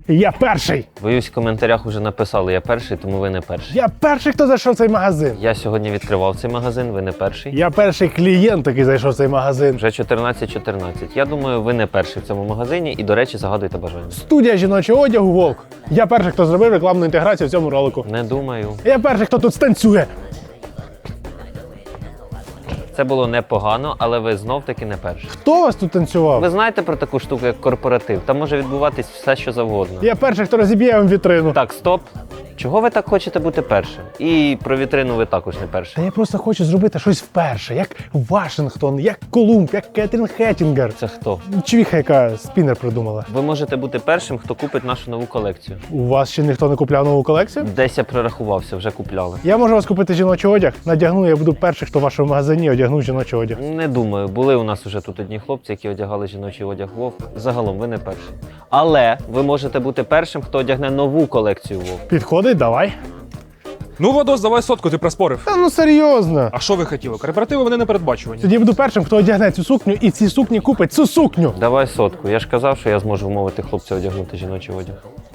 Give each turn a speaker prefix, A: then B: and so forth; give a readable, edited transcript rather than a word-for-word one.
A: Я перший!
B: Боюсь, в коментарях уже написали, я перший, тому ви не перший.
A: Я перший, хто зайшов в цей магазин.
B: Я сьогодні відкривав цей магазин, ви не перший.
A: Я перший клієнт, який зайшов в цей магазин.
B: Вже 14:14. Я думаю, ви не перший в цьому магазині і, до речі, загадуйте бажання.
A: Студія жіночого одягу «Волк». Я перший, хто зробив рекламну інтеграцію в цьому ролику.
B: Не думаю.
A: Я перший, хто тут станцює.
B: Це було непогано, але ви знов-таки не перший.
A: Хто вас тут танцював?
B: Ви знаєте про таку штуку, як корпоратив? Там може відбуватись все, що завгодно.
A: Я перший, хто розіб'є вам вітрину.
B: Так, стоп. Чого ви так хочете бути першим? І про вітрину ви також не
A: Та
B: перший.
A: я просто хочу зробити щось вперше, як Вашингтон, як Колумб, як Кетрін Хеттінгер.
B: Це хто?
A: Чвіха, яка спінер придумала.
B: Ви можете бути першим, хто купить нашу нову колекцію.
A: У вас ще ніхто не купляв нову колекцію?
B: Десь я прорахувався, вже купляли.
A: Я можу вас купити жіночий одяг, надягну, я буду перший, хто в вашому магазині одягнув жіночий одяг.
B: Не думаю, були у нас уже тут одні хлопці, які одягали жіночий одяг Вовк. Загалом ви не перший. Але ви можете бути першим, хто одягне нову колекцію Вовк.
A: Підходить, давай.
C: Ну, Владос, давай сотку, ти проспорив.
A: Та ну серйозно.
C: А що ви хотіли? Корпоративи вони непередбачувані.
A: Тоді я буду першим, хто одягне цю сукню і ці сукні купить цю сукню.
B: Давай сотку. Я ж казав, що я зможу вмовити хлопця одягнути жіночий одяг.